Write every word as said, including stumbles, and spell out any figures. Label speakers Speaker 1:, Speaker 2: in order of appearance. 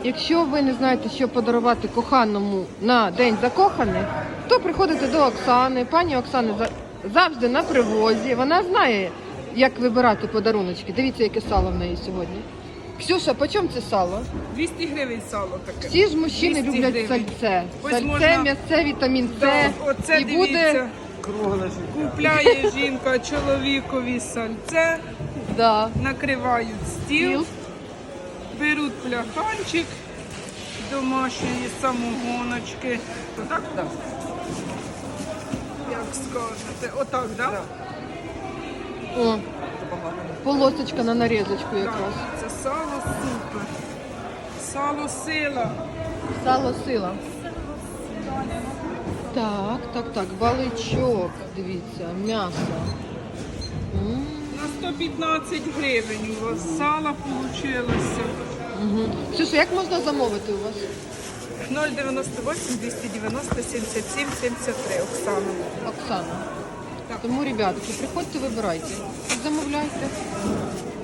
Speaker 1: Якщо ви не знаєте, що подарувати коханому на День закоханих, то приходите до Оксани. Пані Оксана за- завжди на привозі. Вона знає, як вибирати подаруночки. Дивіться, яке сало в неї сьогодні. Ксюша, по чому це сало?
Speaker 2: двісті гривень сало таке.
Speaker 1: Всі ж мужчини
Speaker 2: двісті
Speaker 1: люблять
Speaker 2: гривень.
Speaker 1: сальце.
Speaker 2: Ось
Speaker 1: Сальце,
Speaker 2: можна-
Speaker 1: м'ясце, вітамін С.
Speaker 2: Так, оце
Speaker 1: І
Speaker 2: дивіться.
Speaker 1: буде...
Speaker 3: Кругле життя.
Speaker 2: Купляє жінка чоловікові сальце,
Speaker 1: Да.
Speaker 2: накривають стіл,
Speaker 1: Стіл.
Speaker 2: беруть пляханчик домашньої самогоночки. Отак?
Speaker 3: Так.
Speaker 2: Як скажете. Отак, так? Да?
Speaker 1: О, полосочка на нарізочку якраз.
Speaker 2: Так, це сало супер. Сало сила.
Speaker 1: Сало сила. Так, так, так, баличок, дивіться, м'ясо. М,
Speaker 2: На сто п'ятнадцять гривень у вас сало вийшло.
Speaker 1: мгм. Ксюша, як можна замовити у вас?
Speaker 2: ноль дев'яносто вісім двісті дев'яносто сімдесят сім сімдесят три. Оксана.
Speaker 1: Оксана.
Speaker 2: Так.
Speaker 1: Тому, ребятки, приходьте, вибирайте. Замовляйте.